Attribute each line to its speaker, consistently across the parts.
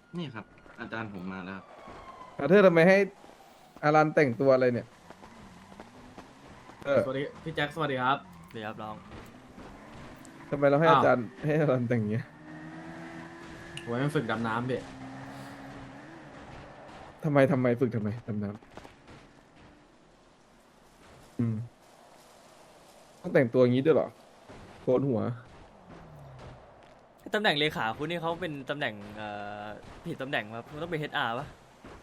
Speaker 1: นี่ครับอาจารย์ผมมาแล้วครับ
Speaker 2: เธอทำไมให้อารันแต่งตัวอะไรเนี่ย
Speaker 3: สวัสดีพี่แจ็คสวัสดีครับ
Speaker 4: เดี๋ยวครับน้อง
Speaker 2: ทำไมเราให้
Speaker 3: อ้าว
Speaker 2: อาจารย์ให้อารันแต่งอย่างเงี้ย
Speaker 3: ผมให้มันฝึกดำน้ำพี่
Speaker 2: ทำไมฝึกทำไมดำน้ำต้องแต่งตัวอย่างนี้ด้วยเหรอโกนหัว
Speaker 4: ตำแหน่งเลขาคุณนี่เขาเป็นตำแหน่งผิดตำแหน่งครับมันต้องเป็น HR ป่ะ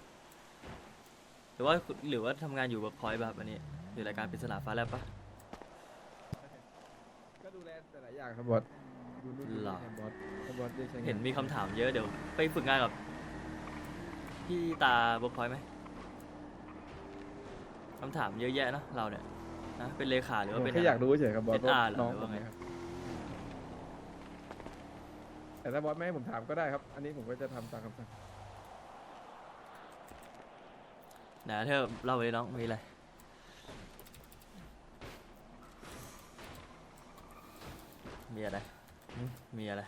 Speaker 4: หรือว่าทำงานอยู่เวิร์กพอยต์แบบอันนี้อยู่รายการปริศนาฟ้าแลบป่ะ
Speaker 2: ก็ดูแลแต่หลายอย่างครับบอสดูนู่นดู
Speaker 4: หร
Speaker 2: นี่
Speaker 4: อ
Speaker 2: ครับบอสได้ใช้งาน
Speaker 4: เห็นมีคำถามเยอะเดี๋ยวไปฝึกงานกับพี่ตาเวิร์กพอยต์ไหมคำถามเยอะแยะเนอะเราเนี่ยนะเป็นเลขาหรือว่าเป็น
Speaker 2: แค่อยากรู้เฉยๆครับบอส
Speaker 4: HR
Speaker 2: ว่าน้อง
Speaker 4: เหรอหรือว่าไง
Speaker 2: ครับแต่ถ้าบอสไม่ให้ผมถามก็ได้ครับ อันนี้ผมก็จะทำตามคำสั่ง
Speaker 4: นะเธอเล่าไปเลยน้องมีอะไรมีอะไรมีอะไร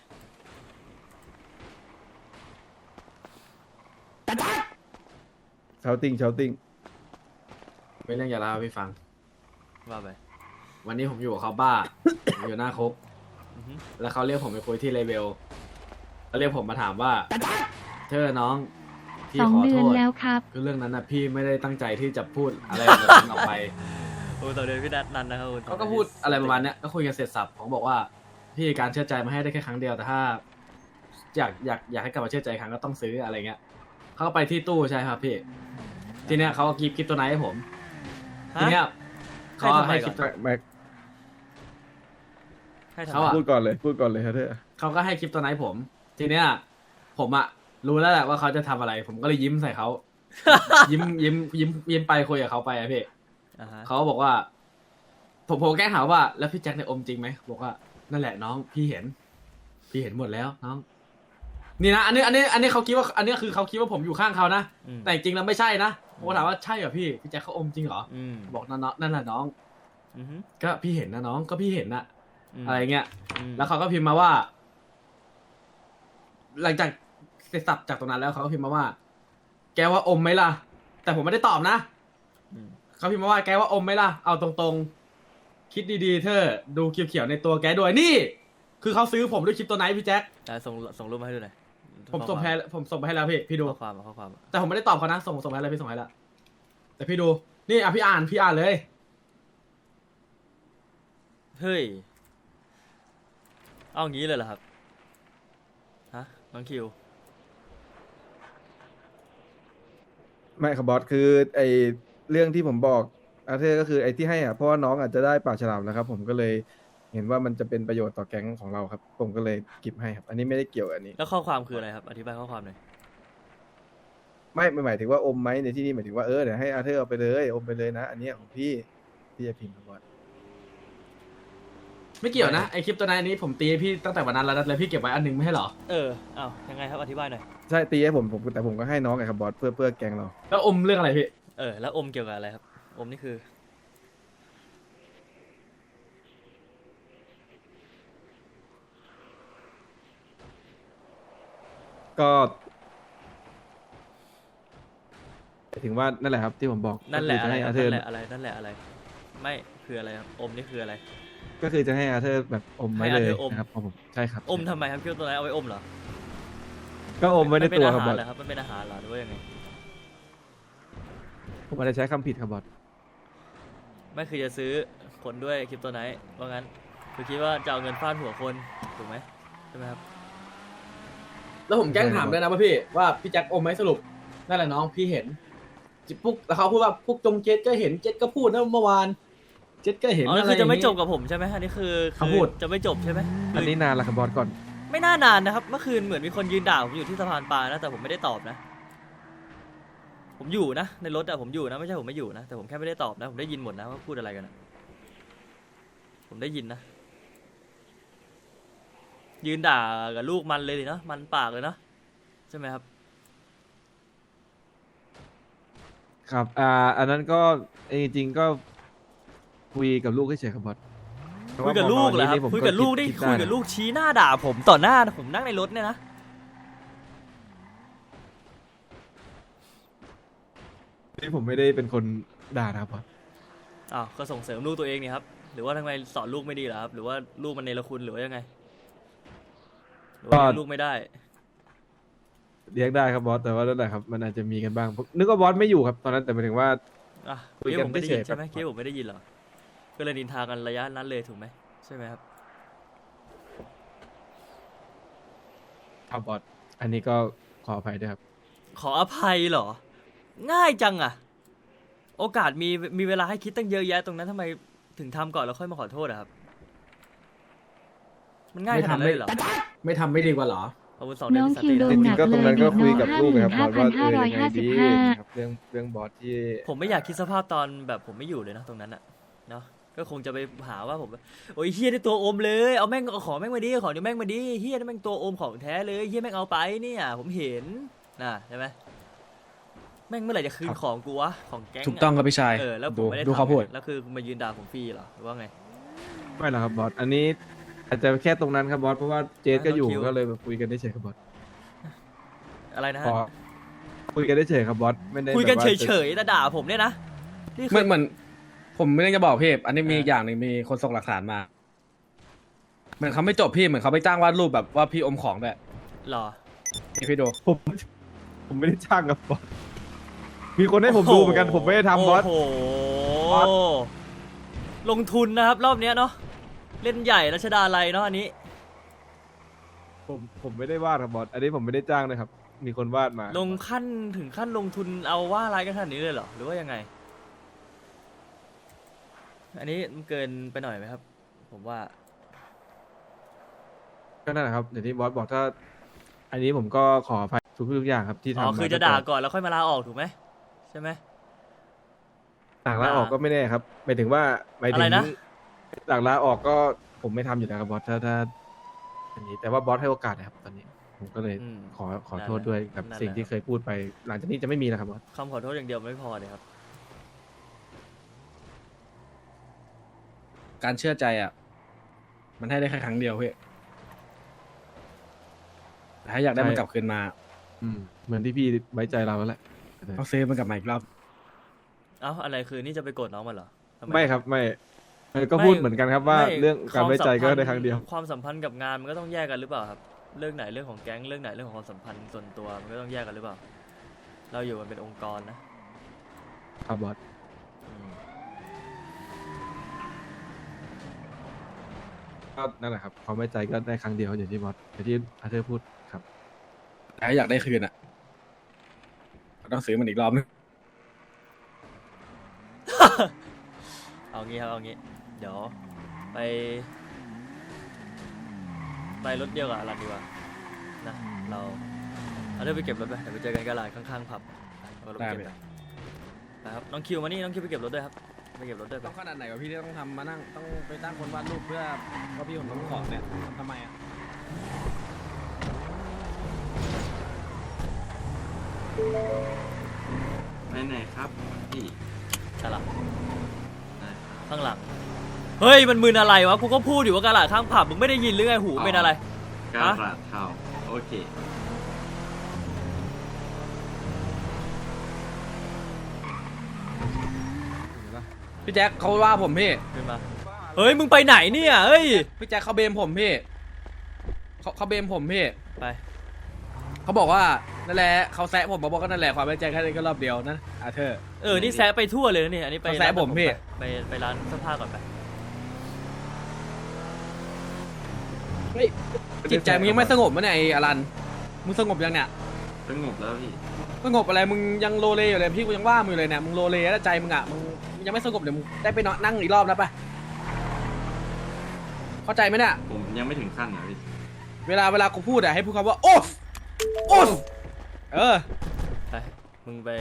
Speaker 2: เชาติ้ง
Speaker 3: เป็นเรื่องอย่าเล่าให้พี่ฟัง
Speaker 4: ว่าไป
Speaker 3: วันนี้ผมอยู่กับเขาบ้า ผมอยู่หน้าคุก
Speaker 4: อือฮึ
Speaker 3: แล้วเขาเรียกผมไปคุยที่เลเวลเขาเรียกผมมาถามว่าเธอน้องพี่
Speaker 5: สอง
Speaker 3: ขอ
Speaker 5: เดื
Speaker 3: โท
Speaker 5: อน
Speaker 3: ษ
Speaker 5: แล้วครับ
Speaker 3: คือเรื่องนั้นนะพี่ไม่ได้ตั้งใจที่จะพูดอะไรแบบนั้นออกไป
Speaker 4: โอ้ต่อเดือนพี่นันนะครับคุณ
Speaker 3: เขาก็พูดอะไรประมาณเนี้ยก็คุยกันเสร็จสับผมบอกว่าพี่การเชื่อใจมาให้ได้แค่ครั้งเดียวแต่ถ้าอยากให้กลับมาเชื่อใจอีกครั้งก็ต้องซื้ออะไรเงี้ยเขาก็ไปที่ตู้ใช่ครับพี่ทีเนี้ยเขาก็กิฟต์คริปตัวไหนให้ผมทีเนี้ยเขาให้คริปตัว
Speaker 2: แม็ก
Speaker 4: ให้ทำ
Speaker 3: เขา
Speaker 4: ไม
Speaker 3: อะ
Speaker 2: พูดก่อนเลยครับเธอ
Speaker 3: เขาก็ให้คริปตัวไหนผม ทีเนี้ยผมอะรู้แล้วแหละว่าเขาจะทำอะไร ผมก็เลยยิ้มใส่เขา ยิ้มไปคุยกับเขาไปอะพี่
Speaker 4: อ่าฮะ
Speaker 3: เขาบอกว่าผมแกล้งถามว่าแล้วพี่แจ็คในยอมจริงไหมบอกว่านั่นแหละน้องพี่เห็นหมดแล้วน้อง นี่นะอันนี้เขาคิดว่าอันนี้คือเขาคิดว่าผมอยู่ข้างเขานะ
Speaker 4: อืม
Speaker 3: แต่จริงๆแล้วไม่ใช่นะผมก็ถามว่าใช่เหรอพี่แจ็คเขาอมจริงเหรอ
Speaker 4: อืม
Speaker 3: บอกนั่นแหละน้อง
Speaker 4: อือฮึ
Speaker 3: ก็พี่เห็นนะน้องก็พี่เห็นนะอะไรเงี้ย
Speaker 4: ม
Speaker 3: แล้วเขาก็พิมพ์มาว่า หลังจากเสร็จสับจากตรงนั้นแล้วเขาก็พิมพ์มาว่า แกว่าอมไหมล่ะ แต่ผมไม่ได้ตอบนะ
Speaker 4: อืม
Speaker 3: เขาพิมพ์มาว่าแกว่าอมไหมล่ะเอาตรงๆ คิดดีๆเธอดูเขียวๆในตัวแกด้วยนี่ คือเขาซื้อผมด้วยคลิปตัวไหนพี่แจ็ค
Speaker 4: ส่งรูปมาให้ดูหน่อย
Speaker 3: ผมส่งไปให้แล้วพี่ดู
Speaker 4: ข้อความข้อความ
Speaker 3: แต่ผมไม่ได้ตอบเขานะส่งไปให้แล้วพี่ส่งให้แล้วแต่พี่ดูนี่อ่ะพี่อ่านเลย
Speaker 4: เฮ้ยเอางี้เลยเหรอครับฮะน้องคิว
Speaker 2: ไม่ครับบอสคือไอเรื่องที่ผมบอกอาเธอร์ก็คือไอที่ให้อ่ะเพราะว่าน้องอาจจะได้ปากฉลามนะครับผมก็เลยเห็นว่ามันจะเป็นประโยชน์ต่อแก๊งของเราครับ ผมก็เลยกิฟให้ครับ อันนี้ไม่ได้เกี่ยวกับอันนี้
Speaker 4: แล้วข้อความคืออะไรครับอธิบายข้อความหน่อย
Speaker 2: ไม่หมายถึงว่าอมไหมในที่นี้หมายถึงว่าเดี๋ยวให้อาเธอร์เอาไปเลยอมไปเลยนะ อันนี้ของพี่จะพิมพ์ครับบอส
Speaker 3: ไม่เกี่ยวนะไอคลิปตัวไหนนี้ผมตีให้พี่ตั้งแต่วันนั้นแล้วนะแล้วพี่เก็บไว้อันหนึงไม่ให้เหรอ
Speaker 4: อ้าวยังไงครับอธิบายหน่อย
Speaker 2: ใช่ตีให้ผมแต่ผมก็ให้น้องไงครับบอสเพื่อแก๊งเรา
Speaker 3: แล้วอมเรื่องอะไรพี่
Speaker 4: แล้วอมเกี่ยวกับอะไรครับอมนี่คือ
Speaker 2: ก็หมายถึงว่านั่นแหละครับที่ผมบอก
Speaker 4: นั่นแหละ
Speaker 2: ก็
Speaker 4: อะไร
Speaker 2: คื
Speaker 4: ค
Speaker 2: จะ
Speaker 4: รับ
Speaker 2: ให้อาเธอร์
Speaker 4: นั่นแหละอะไรนั่นแหละอะไร ไม่คืออะไรครับอมนี่คืออะไร
Speaker 2: ก็คือจะให้อาเธอร์แบบอมไว้
Speaker 4: ให้
Speaker 2: เล
Speaker 4: อาย เธอร์อม
Speaker 2: นะครับผมใช่ครับ
Speaker 4: อมทำไมครับคิวตัวไหนเอาไว้อมเหรอ
Speaker 2: ก็อมไว้ใน
Speaker 4: มันเป็น
Speaker 2: ตัว
Speaker 4: อา
Speaker 2: ครับ
Speaker 4: หา
Speaker 2: บ
Speaker 4: ร
Speaker 2: อส
Speaker 4: เหรอครับมันเป็นอาหารเหรอหรือว่ายังไง
Speaker 2: ผมอาจจะใช้คำผิดครับบอส
Speaker 4: ไม่คือจะซื้อคนด้วยคริปโตไนท์ว่างั้นคือคิดว่าจะเอาเงินฟาดหัวคนถูกไหมใช่ไหมครับ
Speaker 3: แล้วผมแกล้งถามด้วยนะว่าพี่แจ็คอมไหมสรุปนั่นแหละน้องพี่เห็นปุ๊กแล้วเขาพูดว่าพวกจงเจ็ดก็เห็นเจ็ดก็พูดนะเมื่อวานเจ็ดก็เห็น
Speaker 4: อ๋อ
Speaker 3: อะไร
Speaker 4: คือจะไม่
Speaker 3: ย่างงี้
Speaker 4: จบกับผมใช่ไหมอันนี้คือ
Speaker 3: เขาพูด
Speaker 4: จะไม่จบใช่ไหม
Speaker 2: อันนี้นานละครับบอสก่อน
Speaker 4: ไม่น่านานนะครับเมื่อคืนเหมือนมีคนยืนด่าผมอยู่ที่สะพานปลานะแต่ผมไม่ได้ตอบนะ ผมอยู่นะในรถอะผมอยู่นะไม่ใช่ผมไม่อยู่นะแต่ผมแค่ไม่ได้ตอบนะผมได้ยินหมดนะว่าพูดอะไรกันอะผมได้ยินนะยืนด่ากับลูกมันเลยดิเนาะมันปากเลยเนาะใช่ไหมครับ
Speaker 2: ครับอันนั้นก็จริงๆก็คุยกับลูกเฉยๆครับบอส
Speaker 4: คุยกับลูกเหรอครับ
Speaker 2: ผม
Speaker 4: คุยกับลูกได้
Speaker 2: คิ
Speaker 4: คุยกับลูกชี้หน้าด่าผมต่อหน้าผมนั่งในรถเนี่ยนะ
Speaker 2: นี่ผมไม่ได้เป็นคนด่านะครับบอส
Speaker 4: อ้าวก็ส่งเสริมลูกตัวเองนี่ครับหรือว่าทำไมสอนลูกไม่ดีเหรอครับหรือว่าลูกมันเนรคุณหรือว่ายังไงหรือว่าเลี้ยงลูกไม่ได้
Speaker 2: เลี้ยงได้ครับบอสแต่ว่านั่นแหละครับมันอาจจะมีกันบ้างผมนึกว่าบอสไม่อยู่ครับตอนนั้นแต่หมายถึงว่า
Speaker 4: อ่ะ
Speaker 2: คุย
Speaker 4: คิด
Speaker 2: กัน
Speaker 4: ว่าผมไม่ได้ยิน
Speaker 2: เฉยๆ
Speaker 4: ใช่ไหม
Speaker 2: ครับ
Speaker 4: คิดว่าผมไม่ได้ยินเหรอก็เลยนินทากันระยะนั้นเลยถูกไหมใช่ไหมครับ
Speaker 2: ครับบอสอันนี้ก็ขออภัยด้วยครับ
Speaker 4: ขออภัยเหรอ ง่ายจังอะโอกาสมีเวลาให้คิดตั้งเยอะแยะตรงนั้นทำไมถึงทำก่อนแล้วค่อยมาขอโทษอะครับ มันง่ายขนาดนั้นเลยเหรอ
Speaker 3: ไม่ทไม่ดีกว่าเหรอ
Speaker 4: อาวุธสองเดือน
Speaker 5: น้อง
Speaker 4: ที่ส
Speaker 5: คิว
Speaker 4: ติ
Speaker 5: โด
Speaker 4: แล้ว
Speaker 5: น
Speaker 2: จริงๆก็ตรงนั้นก็คุยกับลูกนะครับบอสว่ายังไงดี
Speaker 5: 55,555
Speaker 2: ครับเรื่องบอสที่
Speaker 4: ผมไม่อยากคิดสภาพตอนแบบผมไม่อยู่เลยนะตรงนั้นอะเนาะก็คงจะไปหาว่าผมโอ้ยเฮียได้ตัวอมเลยเอาแม่งเอาของแม่งมาดิของเดี๋ยวแม่งมาดิเฮียนี่แม่งตัวอมของแท้เลยเฮียแม่งเอาไปเนี่ยผมเห็นนะใช่ไหมแม่งเมื่อไหร่จะคืนของกูวะของแก๊งะ
Speaker 3: ถูกต้องครับพี่ชาย
Speaker 4: แล้วผมไม่ได้
Speaker 3: ดูเขา
Speaker 4: ทำ
Speaker 3: พูด
Speaker 4: แล้วคือมายืนด่าผมฟรีเหรอหรือว่าไง
Speaker 2: ไม่หรอกครับบอสอันนี้อาจจะแค่ตรงนั้นครับบอสเพราะว่าเจสก็อยู่
Speaker 4: น้องคิว
Speaker 2: ก็เลยแบบคุยกันได้เฉยครับบอส
Speaker 4: อะไรนะ
Speaker 2: พ
Speaker 4: ฮะ
Speaker 2: อคุยกันได้เฉยครับบอสไม่ได้
Speaker 4: คุยกัน
Speaker 2: แบบ
Speaker 4: เฉ
Speaker 2: ว่า
Speaker 4: ยๆแต่ด่าผมเนี่ยนะนี่คือ
Speaker 3: เหมือนผมไม่ได้จะบอกพี่อันนี้มี
Speaker 4: เออ
Speaker 3: อีกอย่างหนึ่งมีคนส่งหลักฐานมา เหมือนเขาไม่จบพี่เหมือนเขาไปจ้างวาดรูปแบบว่าพี่อมของด้วย
Speaker 4: หรอ
Speaker 3: นี่พี่ดู
Speaker 2: ผมไม่ได้จ้างครับบอสมีคนให้ผมดูเหมือนกันผมไม่ได้ทำบอส
Speaker 4: โอ้โห
Speaker 2: บอส
Speaker 4: ลงทุนนะครับรอบเนี้ยเนาะเล่นใหญ่รัชดาลัยเนาะอันนี้
Speaker 2: ผมไม่ได้วาดครับบอสอันนี้ผมไม่ได้จ้างนะครับ มีคนวาดมา
Speaker 4: ลงขั้นถึงขั้นลงทุนเอาว่าอะไรกันขนาดนี้เลยเหรอหรือว่ายังไง อันนี้มันเกินไปหน่อยไหมครับ ผมว่า
Speaker 2: ก็นั่นแหละครับอย่างที่บอสบอกถ้า อันนี้ผมก็ขออภัยทุกอย่างครับที่ทำ
Speaker 4: อ๋อ
Speaker 2: มา
Speaker 4: คือจะด่าก่อนแล้วค่อยมาลาออกถูกไหมใช่ไหม
Speaker 2: ต่างลาออกก็ไม่แน่ครับหมายถึงว่าหมายถึ
Speaker 4: อะไร
Speaker 2: ง
Speaker 4: นะ
Speaker 2: ต่างลาออกก็ผมไม่ทำอยู่แล้วครับบอสถ้าอันนี้แต่ว่าบอสให้โอกาสนะครับ ตอนนี้ ผมก็เลย
Speaker 4: อืม
Speaker 2: ขอโทษด้วยกับ
Speaker 4: นั่นแหละ
Speaker 2: สิ่งที่เคยพูดไป หลังจากนี้จะไม่มีแล้วครับบอส
Speaker 4: คำขอโทษอย่างเดียวไม่พอเลยครับ
Speaker 3: การเชื่อใจอ่ะ มันให้ได้แค่ครั้งเดียวพี่แต่ถ้าอยากได้มันกลับคืนมา
Speaker 2: เหมือนที่พี่ไว้ใจเราแล้วแหละ
Speaker 3: ต้องซื้อมันกลับมาอีกรอบ
Speaker 4: เอ้าอะไรคือนี่จะไปโกรธน้องมันเหรอทำ
Speaker 2: ไม่ครับไม่ก็พูดเหมือนกันครับว่า
Speaker 4: ไม่
Speaker 2: เรื่องการไว้ใจ
Speaker 4: ค
Speaker 2: ก็
Speaker 4: วามสัมพันธ์
Speaker 2: ได้ครั้งเดียว
Speaker 4: ความสัมพันธ์กับงานมันก็ต้องแยกกันหรือเปล่าครับ เรื่องไหนเรื่องของแก๊งเรื่องไหนเรื่องของความสัมพันธ์ส่วนตัวมันก็ต้องแยกกันหรือเปล่า เราอยู่กันเป็นองค์กรนะครับ
Speaker 2: บอส
Speaker 4: อืม
Speaker 2: ก็นั่นแหละครับความไว้ใจก็ได้ครั้งเดียวอย่างที่บอสอย่างที่อาเธอร์พูดครับ
Speaker 3: แต่ถ้าอยากได้คืนอ่ะก็ต้องซื้อมันอีกรอบนึง
Speaker 4: เอางี้ครับเอางี้ เดี๋ยวไปรถเดียวกับอลันดีกว่านะเราเอาเดี๋ยวไปเก็บรถไปเดี๋ยวไปเจอกันกระลาดข้างๆผับเอารถไปเก็บไปครับน้องคิวมานี่น้องคิวไปเก็บรถด้วยครับไปเก็บรถด้วยไป
Speaker 3: ต้องขนาดไหนวะพี่ที่ต้องทำมานั่งต้องไปตั้งคนวาดรูปเพื่อว่าพี่ผมต้องของเนี่ยทำไมอ่ะ
Speaker 1: ไปไหนครับพี่
Speaker 4: ใช่ละ
Speaker 1: ได้ครับ
Speaker 4: ข้างหลังเฮ้ยมันมึนอะไรวะกูก็พูดอยู่ว่ากระลาดข้างผับมึงไม่ได้ยินหรือไงหูเป็นอะไร
Speaker 1: กา
Speaker 4: ฮะ
Speaker 1: ลาดเทาโอเค
Speaker 3: พี่แจ็คเขาว่าผมพี่
Speaker 4: ขึ้นมาเฮ้ยมึงไปไหนเนี่ยเฮ้ย
Speaker 3: พี่แจ็คเขาเบมผมพี่เขาเบมผมพี่
Speaker 4: ไป
Speaker 3: เขาบอกว่านั่นแหละเขาแซะผมบอกว่านั่นแหละความไว้ใจแค่นี้ก็รอบเดียวนะอาเธอร์
Speaker 4: นี่แซะไปทั่วเลยนะนี่อันนี้ไป
Speaker 3: เขาแซะ
Speaker 4: ร้าน
Speaker 3: ผมพี่
Speaker 4: ไปร้านเสื้อผ้าก่อนไป
Speaker 3: เฮ้ยจิตใจมึงยังไม่สงบมั้ยเนี่ยไอ้อลันมึงสงบยังเนี่ย
Speaker 1: สงบแล้วพี่
Speaker 3: สงบอะไรมึงยังโลเลอยู่เลยพี่กูยังว่ามึงอยู่เลยเนี่ยมึงโลเลแล้วใจมึงอ่ะมึงยังไม่สงบเดี๋ยวมึงได้ไปนอนนั่งอีกรอบนะปะเข้าใจไหมเนี่ย
Speaker 1: ผมยังไม่ถึงขั้นนะพี่
Speaker 3: เวลากูพูดอะให้พูดคำว่าโอ๊ฟโอ๊ฟเออ
Speaker 4: ไปมึงไป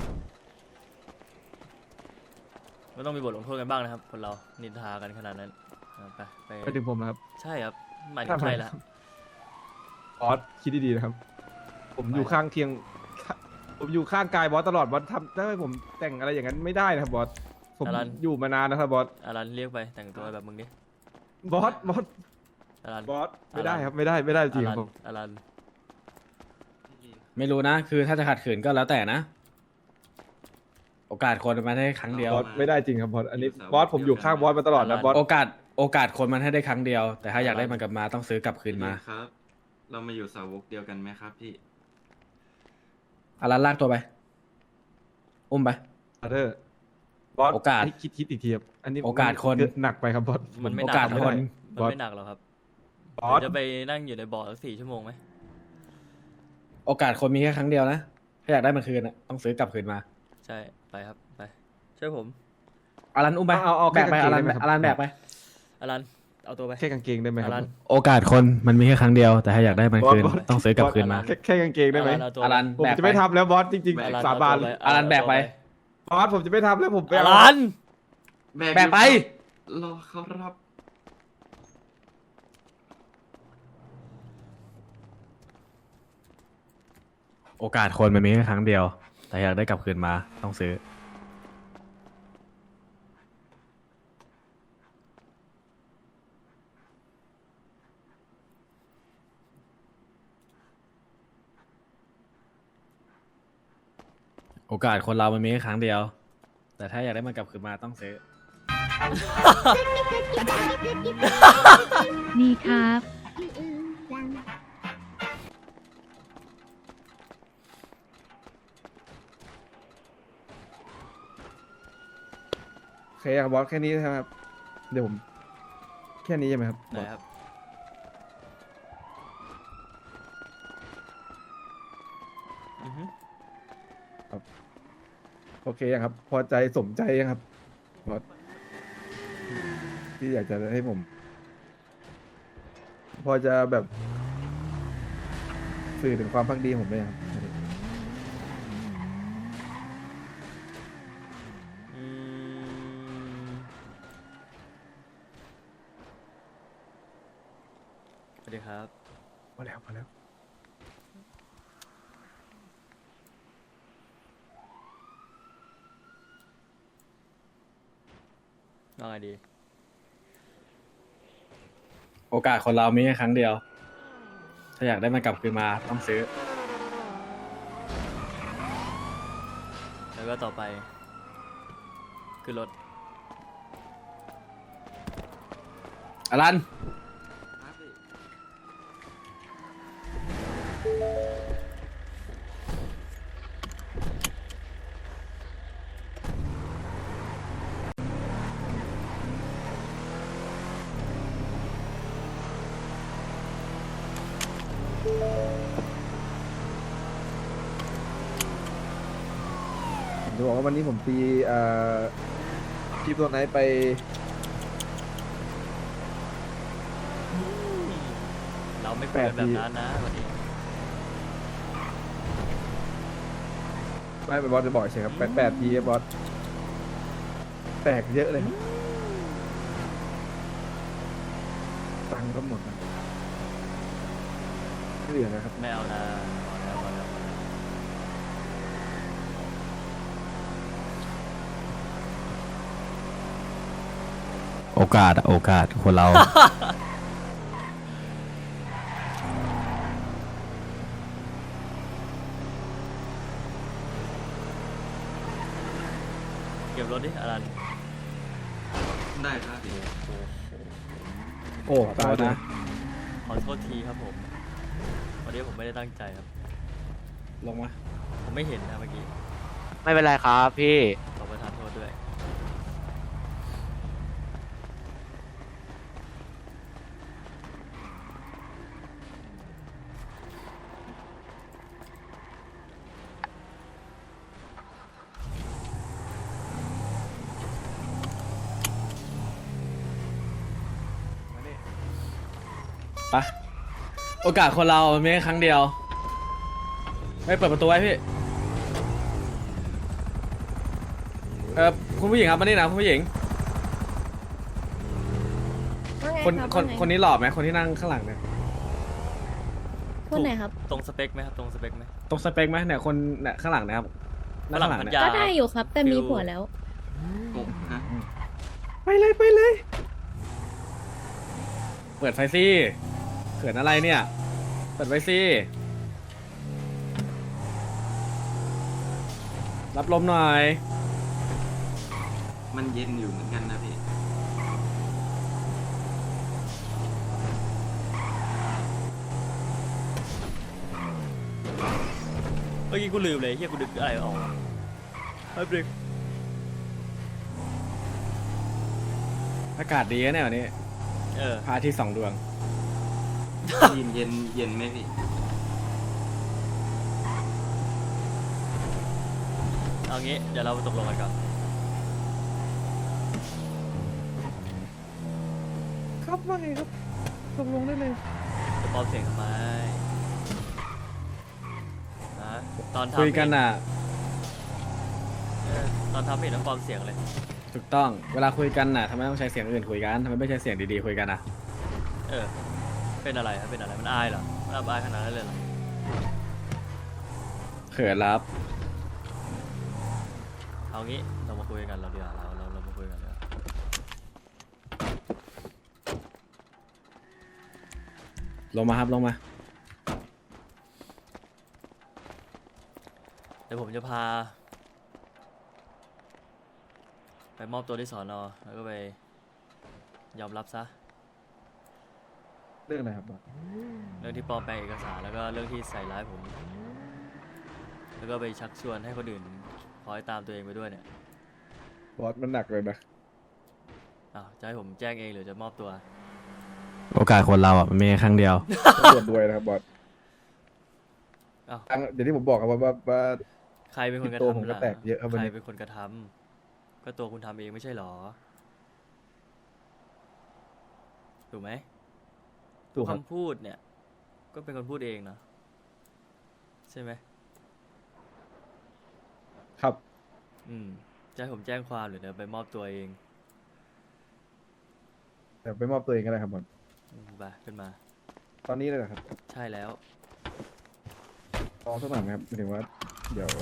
Speaker 4: มันต้องมีบทลงโทษกันบ้างนะครับคนเรานินทากันขนาดนั้นไป
Speaker 2: ไปถึงผมนะครับ
Speaker 4: ใช่ครับหมายถึงใครล่ะ
Speaker 2: บอสคิดดีๆนะครับ ผมอยู่ข้างเคียง ผมอยู่ข้างกายบอสตลอดบอสทำให้ผมแต่งอะไรอย่างนั้นไม่ได้นะครับบอสผมอยู่มานานนะครับบอส
Speaker 4: อารันเรียกไปแต่งตัวแบบมึงดิ
Speaker 2: บอส
Speaker 4: อารัน
Speaker 2: บอสไม่ได้ครับไม่ได้จริงครับผม
Speaker 4: อารัน
Speaker 3: ไม่รู้นะคือถ้าจะขัดขืนก็แล้วแต่นะโอกาสคนมันให้ครั้งเดียว
Speaker 2: บอสไม่ได้จริงครับบอสอันนี้บอสผมอยู่ข้างบอสมาตลอดนะบอส
Speaker 3: โอกาสคนมันให้ได้ครั้งเดียว แต่ถ้าอยากได้มันกลับมาต้องซื้อกลับคืนมา
Speaker 1: พี่ครับ เรามาอยู่สาวกเดียวกันไหมครับพี่
Speaker 3: อารันลากตัวไป อุ้มไป
Speaker 2: อาเธอร์บอส
Speaker 3: โอกาส
Speaker 2: ให้คิดอีกทีครับอันนี้
Speaker 3: โอกาสคน
Speaker 2: หนักไปครับบอส
Speaker 4: มันไม่ห
Speaker 3: โอ
Speaker 4: นัก
Speaker 3: กาส
Speaker 4: หรอก
Speaker 3: คน
Speaker 4: มันไม่หนักหรอกครับ
Speaker 2: บอส
Speaker 4: เดี๋ยวจะไปนั่งอยู่ในบ่อสัก4 ชั่วโมงไหม
Speaker 3: โอกาสคนมีแค่ครั้งเดียวนะ ถ้าอยากได้มันคืนอ่ะต้องซื้อกลับคืนมา
Speaker 4: ใช่ไปครับไปช่วยผม
Speaker 3: อารันอุ้มไป
Speaker 2: เอา
Speaker 3: แบกไป
Speaker 2: แค่
Speaker 3: อาก
Speaker 2: าง
Speaker 3: รัน
Speaker 2: เกงได้ไหมครับ
Speaker 3: อารันแบกไป
Speaker 4: อลันเอาตัวไป
Speaker 2: แค่กางเกงได้ไหมค
Speaker 4: อ
Speaker 2: รับ
Speaker 4: ลัน
Speaker 3: โอกาสคนมันมีแค่ครั้งเดียว แต่ถ้าอยากได้มันคืน
Speaker 2: บอส
Speaker 3: ต้องซื้อกลับคืนมา
Speaker 2: แค่กางเกงได้ไหม
Speaker 4: เอาตัว
Speaker 3: อารัน
Speaker 2: ผม
Speaker 3: แบก
Speaker 2: จะ
Speaker 3: ไป
Speaker 2: ไม่ทำแล้วบอสจริง
Speaker 4: อลัน
Speaker 2: ๆสาบาน
Speaker 4: เอตัว
Speaker 3: อารันแบกไป
Speaker 2: บอสผมจะไม่ทำแล้วผมไป
Speaker 4: อ
Speaker 2: เอา
Speaker 4: ลัน
Speaker 3: แบกไป
Speaker 1: รอเขารับ
Speaker 3: โอกาสคนมันมีแค่ครั้งเดียว แต่อยากได้กลับคืนมาต้องซื้อ โอกาสคนเรามันมีแค่ครั้งเดียว แต่ถ้าอยากได้มันกลับคืนมาต้องซื้อ
Speaker 5: นี่ครับ
Speaker 2: โอเคครับบอสแค่นี้นะครับ เดี๋ยวผมแค่นี้ใช่ไหมครับ
Speaker 4: ไหนครับอือฮึ
Speaker 2: โอเคยังครับ พอใจสมใจยังครับบอสที่อยากจะให้ผม พอจะแบบสื่อถึงความพักดีผมไหมครับ
Speaker 4: อืมสวัสดีครับ
Speaker 2: พอแล้วพอแล้ว
Speaker 4: ว่าไงดี
Speaker 3: โอกาสคนเรามีแค่ครั้งเดียว ถ้าอยากได้มันกลับคืนมาต้องซื้อ
Speaker 4: แล้วก็ต่อไปคือรถ
Speaker 3: อารัน
Speaker 1: ครับพี่
Speaker 2: ผมจะบอกว่าวันนี้ผมตีคลิปตัวไหนไป
Speaker 4: เราไม่คุยกันแบบนั้นนะวันนี้
Speaker 2: ไม่เป็นบอสจะบอกเฉยครับ8 ทีครับบอสแตกเยอะเลยครับตังค์ก็หมดนะไม่เหลือนะครับ
Speaker 4: ไม่เอานะพอแล้วพอแล้วพอแล้ว
Speaker 3: โอกาสคนเรา
Speaker 4: เก็บรถดิอลัน
Speaker 1: ได้ครับพี่
Speaker 3: โอ้ตายนะ
Speaker 4: ขอโทษทีครับผมวันนี้ผมไม่ได้ตั้งใจครับ
Speaker 3: ลงมา
Speaker 4: ผมไม่เห็นนะเมื่อกี้
Speaker 6: ไม่เป็นไรครับพี่
Speaker 4: ขอประทานโทษด้วย
Speaker 3: ไปโอกาสคนเรามันมีแค่ครั้งเดียว ไม่เปิดประตูไว้พี่ คุณผู้หญิงครับมานี่นะคุณผู้หญิง
Speaker 5: ว่าไง
Speaker 3: คน
Speaker 5: รับ
Speaker 3: คน
Speaker 5: ว่าไง
Speaker 3: คนนี้หล่อไหมคนที่นั่งข้างหลังเนี่ย
Speaker 5: คนไหนครับ
Speaker 4: ตรงสเปคไหมครับ ตรงสเปคไหม
Speaker 3: ตรงสเปคไหมเนี่ยคนเนี่ยข้างหลังนะครับนั่งข้างหลัง
Speaker 4: ฝรั่งพัน
Speaker 3: เนี่ย
Speaker 4: ยา
Speaker 5: ก็ได้อยู่ครับ แต่มี
Speaker 4: ฟิว
Speaker 5: ผัวแล้ว
Speaker 1: โอ้ฮะ
Speaker 2: ไปเลยไปเลย
Speaker 3: เปิดไฟสิเขินอะไรเนี่ย เปิดไฟสิรับลมหน่อย
Speaker 1: มันเย็นอยู่เหมือนกันนะพี่
Speaker 4: เมื่อกี้กูลืมเลยเฮียกูดึกอะไรออกแป๊บนึง
Speaker 3: อากาศดีนะเนี่ยวันนี้
Speaker 4: เออ
Speaker 3: พระอาทิตย์สองดวง
Speaker 1: เย็นไหมพี่
Speaker 4: เอางี้เดี๋ยวเราตกลงกันก่อน
Speaker 2: ครับว่าไงครับตกลงได้เลย
Speaker 4: จะปลอมเสียงทำไมนะตอนทำ
Speaker 3: คุยกันอ่ะ
Speaker 4: ตอนทำไม่เห็นต้องปลอมเสียงเลย
Speaker 3: ถูกต้อง เวลาคุยกันน่ะทำไมต้องใช้เสียงอื่นคุยกันทำไมไม่ใช้เสียงดีๆคุยกันอ่ะ
Speaker 4: เออ เป็นอะไรครับ เป็นอะไร มันอายเหรอ มันอับอายขนาดนั้นเลยเหรอ
Speaker 3: เขินรับ
Speaker 4: เอางี้ เรามาคุยกันเราเดียวาเรามาคุยกันเดี๋ยวา
Speaker 3: ลงมาครับลงมา
Speaker 4: เดี๋ยวผมจะพา ไปมอบตัวที่สอนอแล้วก็ไปยอมรับซะ
Speaker 2: เรื่องอะไรครับบอส
Speaker 4: เรื่องที่ปลอมแปลงเอกสารแล้วก็เรื่องที่ใส่ร้ายผม แล้วก็ไปชักชวนให้คนอื่นคอยตามตัวเองไปด้วยเนี่ย
Speaker 2: บอสมันหนักเลยนะ
Speaker 4: อ้าวจะให้ผมแจ้งเองหรือจะมอบตัว
Speaker 3: โอกาสคนเราอ่ะมันมีแค่ครั้งเดียว
Speaker 2: ตำรวจด้วยนะครับบอส
Speaker 4: อ้าว
Speaker 2: ทั้งอย่างที่ผมบอกครับว่า
Speaker 4: ใครเป็นคนกระ
Speaker 2: ตัว
Speaker 4: ทำ
Speaker 2: ผมก็
Speaker 4: ล่ะ
Speaker 2: แตกเยอะครับวัน
Speaker 4: ใคร
Speaker 2: นี้
Speaker 4: เป็นคนกระทำก็ตัวคุณทำเองไม่ใช่หรอ ถูกไหม
Speaker 2: ถูกครับ
Speaker 4: คำพูดเนี่ย ก็เป็นคนพูดเองนะใช่ไหม
Speaker 2: ครับ
Speaker 4: จะให้ผมแจ้งความหรือเดี๋ยวไปมอบตัวเอง
Speaker 2: แต่ไปมอบตัวเองก็ได้ครับบอส
Speaker 4: ไปขึ้นมา
Speaker 2: ตอนนี้เลยเหรอครับ
Speaker 4: ใช่แล้ว
Speaker 2: ลองสักหน่อยไหมครับหมายถึงว่า เดี๋ยว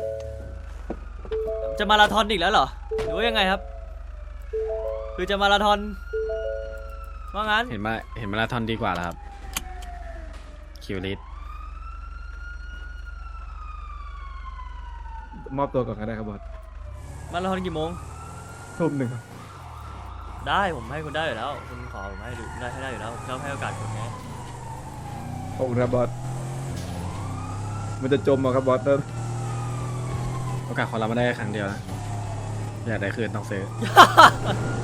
Speaker 4: จะมาราธอนอีกแล้วเหรอ หรือว่ายังไงครับ คือจะมาราธอนว่างั้น
Speaker 3: เห็นมาราธอนดีกว่าแล้วครับ คิวลิส
Speaker 2: มอบตัวก่อนก็ได้ครับบอส
Speaker 4: มาราธอนกี่โมง
Speaker 2: ทุ่มหนึ่งครับ
Speaker 4: ได้ผมให้คุณได้อยู่แล้ว คุณขอผมให้ดูได้อยู่แล้วเราให้โอกาสคุณไง
Speaker 2: ขอบคุณครับบอส มันจะจมเหรอครับบอสเริ่ม
Speaker 3: โอกาสคนเราไม่ได้แค่ครั้งเดียวนะ อยากได้คืนต้องซื้อ